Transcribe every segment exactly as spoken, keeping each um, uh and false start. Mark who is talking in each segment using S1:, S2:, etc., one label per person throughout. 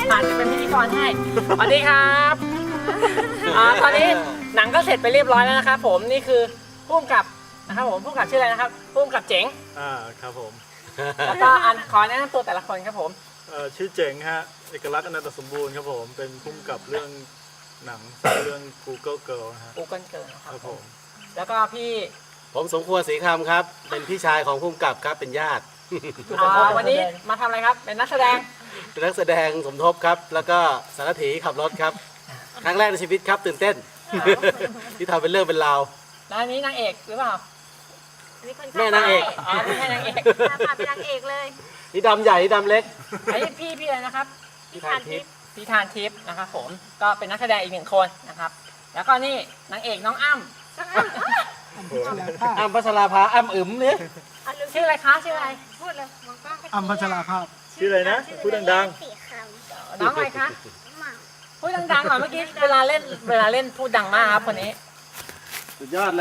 S1: ผ่านจะเป็นพิธีกรให้สวัสดีครับอ่าตอนนี้หนังก็เสร็จไปเรียบร้อยแล้วนะครับผมนี่คือผู้กำกับนะครับผมผู้กำกับชื่ออะไรนะครับผู้กำกับเจ๋ง
S2: อ่าครับผม
S1: แล้วก็อันขอแนะนำตัวแต่ละคนครับผม
S2: เอ่อชื่อเจ๋งฮะเอกลักษณ์อนันตสมบูรณ์ครับผมเป็นผู้กำกับเรื่องหนังเรื่อง Google Girl นะฮะ
S1: กูเกิลเกินนะค
S2: ค
S1: รั
S2: รั
S1: บบ
S2: ผม
S1: แล้วก็พี่
S3: ผมสมควรศรีคำครับ เป็นพี่ชายของผู้กำกับครับ เป็นญาติ
S1: อ่าวันนี้มาทำอะไรครับเป็นนักแสดง
S3: เป็นนักแสดงสมทบครับ แล้วก็สารถีขับรถครับ ครั้งแรกในชีวิตครับตื่นเต้น ที่ทำเป็นเรื่องเป็นราว
S1: แล้วอันนี้นางเอกหรือเปล่า
S3: แม่นางเอก
S1: อ๋อไม่ใช่นางเอก
S4: พาเป็นนางเอกเลย
S3: นี่ดำใหญ่นี่ดำเล็ก
S1: ไอ้พี่พี่อะไรนะครับ
S3: พี่ทานทิพย์
S1: พี่ทานทิพย์นะครับผมก็เป็นนักแสดงอีกหนึ่งคนนะครับ แล้วก็นี่นางเอกน้องอ้ำ
S3: อ้ำพัชราภาอ้ำอึ๋มเนี่ย
S1: ชื่ออะไรคะชื่ออะไร
S4: พูดเลยมองกล้อง
S5: อัมพัชราภาพ
S2: ชื่ออะไรนะพูดดัง
S4: สี่ค
S1: น้องอะไรคะ
S4: ำหมา
S1: พูดดังๆหน่อยเมื่อกี้เวลาเล่นเวลาเล่นพูดดังมากครับคนนี้
S3: สุดยอดเลย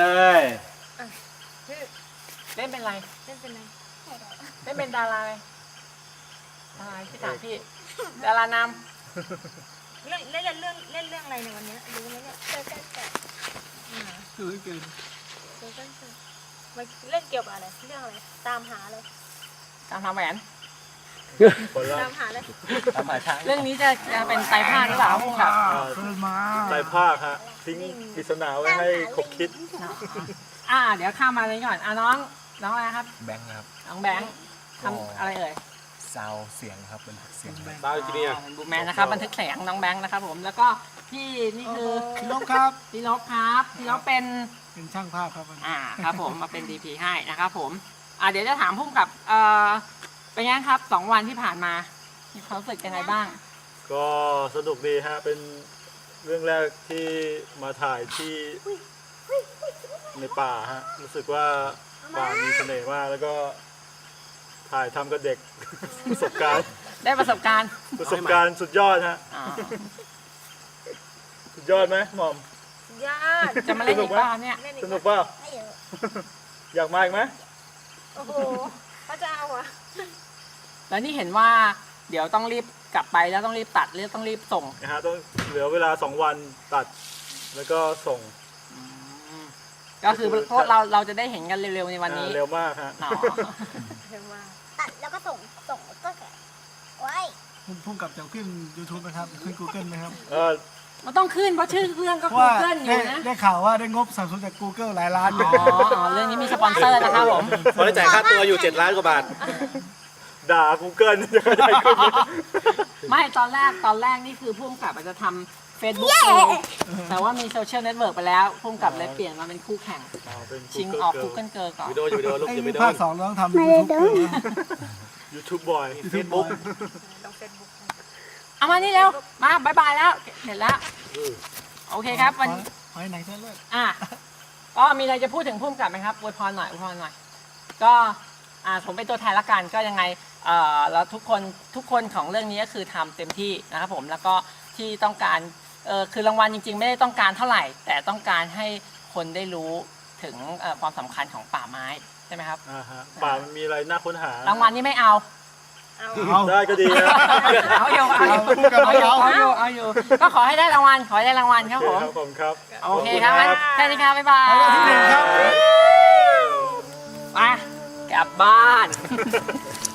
S1: เล่นเป็นอะไร
S4: เล่นเป็นไง
S1: เล่นเป็นดาราอะไรดาราที่ถามพี่ดาราน
S4: เล่นเล่นเรื่องเล่นเรื่องอะไรในวันนี้รู้ไหมเนี่ยเกิดเกิดเกิด
S5: คือเกิน
S4: เกิดเกิดเกิดมันเล่นเกี่ยวกับอะไรเรื่องอะไรตามหาเลย
S1: ำตามทำแหวน
S2: ๆคนละ
S4: ตามหาเลย
S3: ตามหาช้าง
S1: เรื่องนี้จะจะเป็นไตรภาคหรือเปล่าครับพุ่งกับ
S5: เกินมา
S2: ใจภาคฮะทิ้งปริศนาไว้ให้คบคิด
S1: อ่าเดี๋ยวข้ามมาเลยก่อนอ่ะน้องน้องอะไรครับ
S5: แบงค์ครับ
S1: น้องแบงค์ทำอะไรเอ่ย
S5: ซาวเสียงครับเป็นเสียงแบงค์
S3: ดาวจีเนียร์
S1: บูแมนนะครับบันทึกเสียงน้องแบงค์นะครับผมแล้วก็พี่นี่คือ
S5: พี่นกครับ
S1: พี่นกครับพี่นกเป็น
S5: เป็นช่างภาพครับวันนี้
S1: อ่าครับผมมาเป็น ดี พี ให้นะครับผมอ่าเดี๋ยวจะถามพุ่มกับเอ่อเป็นยังไงครับสองวันที่ผ่านมามีความรู้สึกยังไงบ้าง
S2: ก็สนุกดีฮะเป็นเรื่องแรกที่มาถ่ายที่ในป่าฮะรู้สึกว่าป่ามีเสน่ห์มากแล้วก็ถ่ายทำกับเด็ก ประสบการณ์
S1: ได้ประสบการณ์
S2: ประสบการณ์สุดยอดฮะ
S1: อ่า
S2: สุดยอดไหมหม่อม
S4: ยอด
S1: จะมาเล่นอีกบ้างเนี่ย
S4: เล่นอี
S2: สนุกเปล่า
S4: ไม่เยอะ
S2: อยากมาอีกไหม
S4: โอ้โหพระเจ้าอ่ะ
S1: แล้วนี่เห็นว่าเดี๋ยวต้องรีบกลับไปแล้วต้องรีบตัดหรือต้องรีบส่ง
S2: นะฮะต้องเหลือเวลาสองวันตัดแล้วก็ส่ง
S1: ก็คือพวกเราเราจะได้เห็นกันเร็วๆในวันนี้
S2: อ่าเร็วมากฮะ
S1: เนาะ
S4: เร็วมากตัดแล้วก็ส่งส่งก็แกะไว้
S5: คุณพุ่งกับจะขึ้น YouTube ไหมครับขึ้น Google ไหมครับ
S2: เออ
S1: มันต้องขึ้นเพราะชื่อเรื่องก็
S5: เพราะว่า
S1: Google อ
S5: ได้
S1: ยู่นะ
S5: ได้ข่าวว่าได้งบสนับสนุนจาก Google หลายล้าน
S1: อ๋ออ๋อเรื่องนี้มีสปอนเซอร์นะครับผม
S3: พอได้จ่ายค่าตัวอยู่เจ็ดล้านกว่าบาท
S2: ด่า Google จะเข้าใจขึ้น
S1: ไม่ตอนแรกตอนแรกนี่คือพุ่มกับอาจจะทำ Facebook เองแต่ว่ามีโซเชียลเน็ตเวิร์กไปแล้วพุ่มกับเลยเปลี่ยนมาเป็นคู่แข่ง
S2: อ๋อเป็น
S1: ชิง
S2: Google
S1: ออก
S2: Girl
S1: Google Girl ก่อน
S3: วิดีโออยู่วิดีโอลูก
S5: ไอ้
S3: อย่าไป
S5: นี่
S3: โด
S5: ภาคน สองเราต้องทำ YouTube
S2: YouTube Boy
S3: เฟซบุ๊ก
S4: ลงเฟซบุ๊ก
S1: เอามานี่เร็วมาบายบายแล้วเห็นแล้ว โอเคครับวัน
S5: ขอให้หนังเส้นเลือด
S1: อ่ะก็มีอะไรจะพูดถึงพุ่มกับไหมครับอวยพรหน่อยอวยพรหน่อย ก็อ่าผมเป็นตัวแทนละกันก็ยังไงเอ่อแล้วทุกคนทุกคนของเรื่องนี้ก็คือทำเต็มที่นะครับผมแล้วก็ที่ต้องการเออคือรางวัลจริงๆ ไม่ได้ต้องการเท่าไหร่ แต่ต้องการให้คนได้รู้ถึงเอ่อความสำคัญของป่าไม้ใช่ไหมครับ
S2: อ่าฮะป่ามันมีอะไรน่าค้นหาร
S1: างวัลนี้ไม่เอา
S4: เอา
S5: เอา
S2: ได้ก็ดีนะ
S1: เอาอยู่เอาอยู่
S5: เอาคู่กับ
S1: เอาอยู่
S5: เอา
S1: เอาอยู่เอาอยู่ก็ขอให้ได้รางวัลขอให้ได้รางวัลครับผม
S2: ครับผมครับ
S1: โอเคครับงั้นแค่นี้ครับบ๊ายบาย
S5: เอาที่หนึ่งครับ
S1: ไปกลับบ้าน